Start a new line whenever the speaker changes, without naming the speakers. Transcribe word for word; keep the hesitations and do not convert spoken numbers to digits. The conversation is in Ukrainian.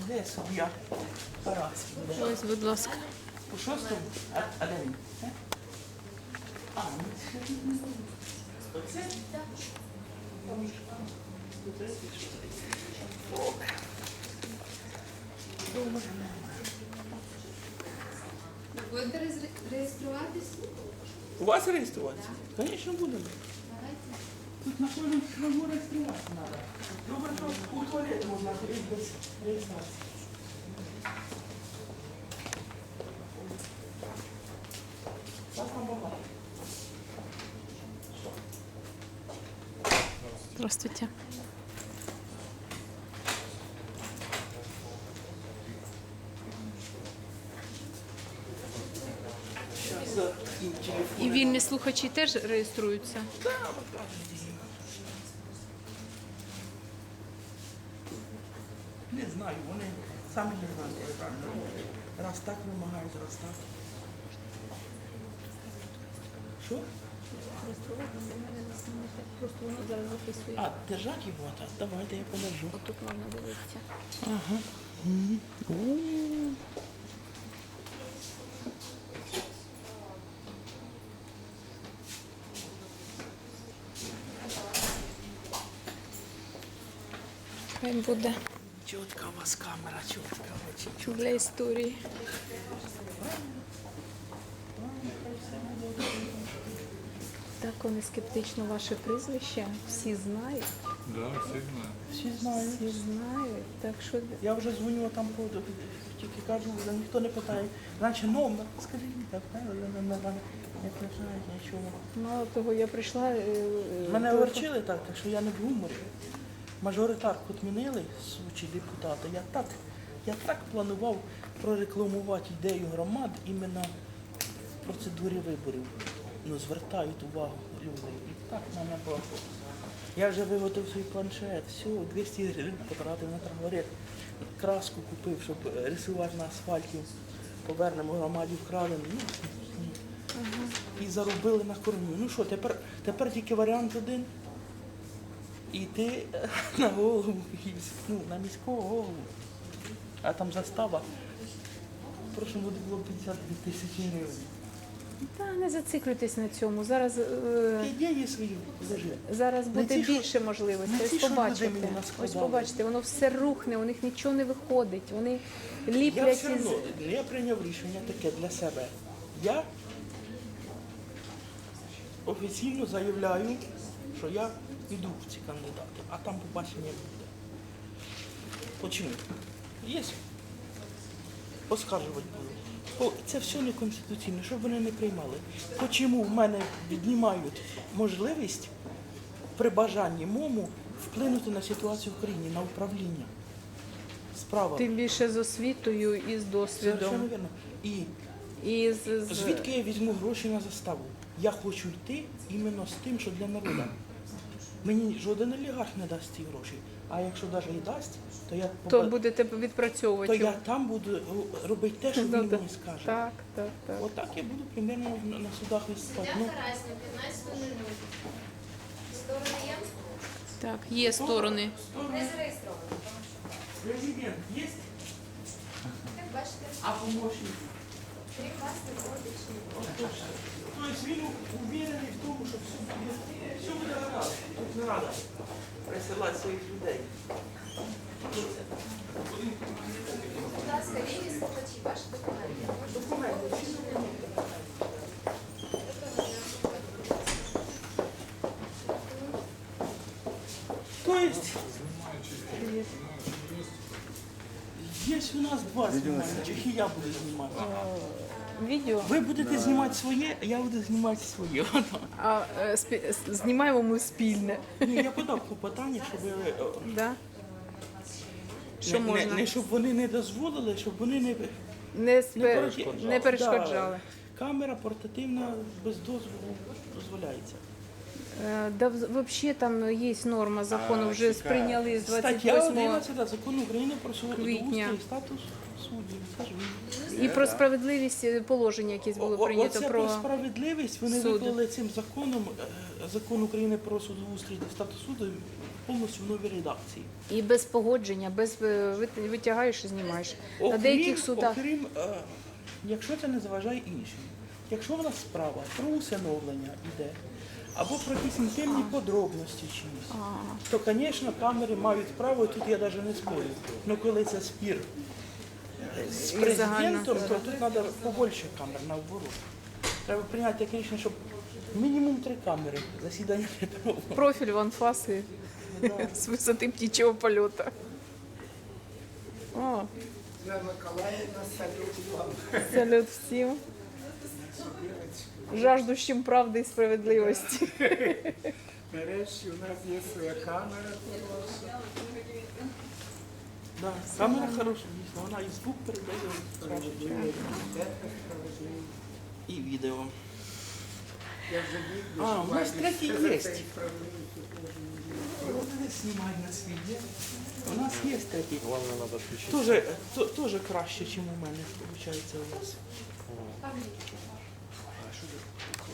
Де суддя? Тарас.
Ось, будь ласка.
По шостому? А, а де він? Е? А, ну це не знаю. Оце? Так.
Будете реєстр- реєструватись?
У вас реєструватися? Звісно, будемо.
Давайте.
Тут на кожному шагу реєструватися треба. Добре, що у туалет можна ходити без реєстрації. Вас там багато.
Здравствуйте.
Зараз за таким
І
телефоном.
вільні слухачі теж реєструються?
Не знаю, вони самі не знають, як правильно робити. Раз так вимагають, раз так. Що?
Просто воно зараз записує.
А, держать його, так, давайте я подержу.
Тут можна дивитися.
Ага. Мгм. У.
Хай буде
Чітка у вас камера, чітка, очень чітка.
для історії. Так, вони скептично ваше прізвище. Всі знають.
Да, всі знають.
Всі знають.
Всі знають. Так що
Я вже дзвоню там, по- тільки кажу, вже ніхто не питає. Наче номер, скажіть, так, але не, не, не питають нічого.
мало того, я прийшла. е, е,
Мене
телефон-
огорчили так, так що я не в гуморі. Мажоритарку відмінили, сучі депутати. Я так, я так планував прорекламувати ідею громад іменно в процедурі виборів. Ну, звертають увагу люди. І так в мене було. Я вже виготовив свій планшет, все, двісті гривень потратив на трафарет. Краску купив, щоб рисувати на асфальті. Повернемо громаді вкрадені. Ну, і заробили на кормі. Ну що, тепер, тепер тільки варіант один. Іти на голову, ну, на міського голову. А там застава. В прошлому году було п'ятдесят дві тисячі гривень.
Та не зациклюйтесь на цьому. Зараз, е,
Ідеї свої лежи.
зараз
Не
буде
ці, що-
більше можливостей.
не
Ось
ці, що
побачите.
люди мені наскладали.
Ось побачите, воно все рухне, у них нічого не виходить. Вони
Я
ліплять
все
із.
одно, я прийняв рішення таке для себе. Я офіційно заявляю, що я йду в ці кандидати, а там побачення буде. Почему? Є. Оскаржувати буду. Бо це все неконституційно, щоб вони не приймали. Чому в мене віднімають можливість при бажанні мому вплинути на ситуацію в країні, на управління справами.
Тим більше з освітою і з
Совершенно
досвідом.
вірно. І
І з, з...
звідки я візьму гроші на заставу? Я хочу йти іменно з тим, що для народу. Мені жоден олігарх не дасть ці гроші. А якщо навіть і дасть, то я,
То
поба-
будете
то
відпрацьовувати.
я там буду робити те, що
Ну,
він
да.
мені скаже.
Так, так, так.
Отак я буду примерно на, на судах виступати.
Суддя
Ну,
Карасня, п'ятнадцята нуль. Сторони є?
Так, є сторони.
Не зареєстровано.
президент є,
Як бачите,
а помощник.
крім вас не виходить чи не
Тобто він уверений в тому, що все буде, все буде гаразд. Тут не треба присилати своїх людей.
Будь ласка, вільні слухачі, ваші документи.
Документи, всі документи. Тобто, є у нас два знімальних, і я буду знімати.
Відео.
Ви будете знімати своє, а я буду знімати своє.
А е, спі- с- знімаємо ми спільне.
Ні, я подав клопотання, щоб е,
Да? Що
не, не,
можна?
не щоб вони не дозволили, щоб вони не,
Не, спе...
перешкоджали.
не перешкоджали.
Да, камера портативна без дозволу дозволяється.
Е, Да, взагалі там є норма закону, вже сприйняли з
Стаття
двадцять восьмого.
одинадцята закону України про судоустрій
квітня.
і статус суддів. Це ж він.
і про справедливість е, положення якесь було
О- о-
прийнято
Оце
про
про справедливість вони
суд.
виклали цим законом, е, закон України про судоустрій та статус суду повністю в новій редакції.
і без погодження, без е, вит- витягаєш і знімаєш. На
Окрім,
деяких судах
окрім е, якщо це не заважає іншим. Якщо в нас справа про усиновлення йде, або про якісь інтимні подробності чимось, то, звісно, камери мають право, і тут я навіть не спорю. Ну коли це спір е, з
І
президентом,
загально.
то тут треба побольше камер наоборот. Треба прийняти таке рішення, щоб мінімум три камери засідання не проводили.
профіль в анфаси з висоти птічого польоту. О,
Ольга Миколаївна, салют вам.
салют всім. Жаждущим правди і справедливості.
Нарешті у нас є своя камера.
Да, камера хороша, дійсно, вона і звук передає краще, ніж і відео.
Я вже вірю,
А,
що
у нас
Владі
третій
за
є.
цей справедливість теж
Вони знімають на свій є. У нас є такий.
Главное, надо отключить.
Тоже, то- тоже краще, ніж у мене, виходить, у вас.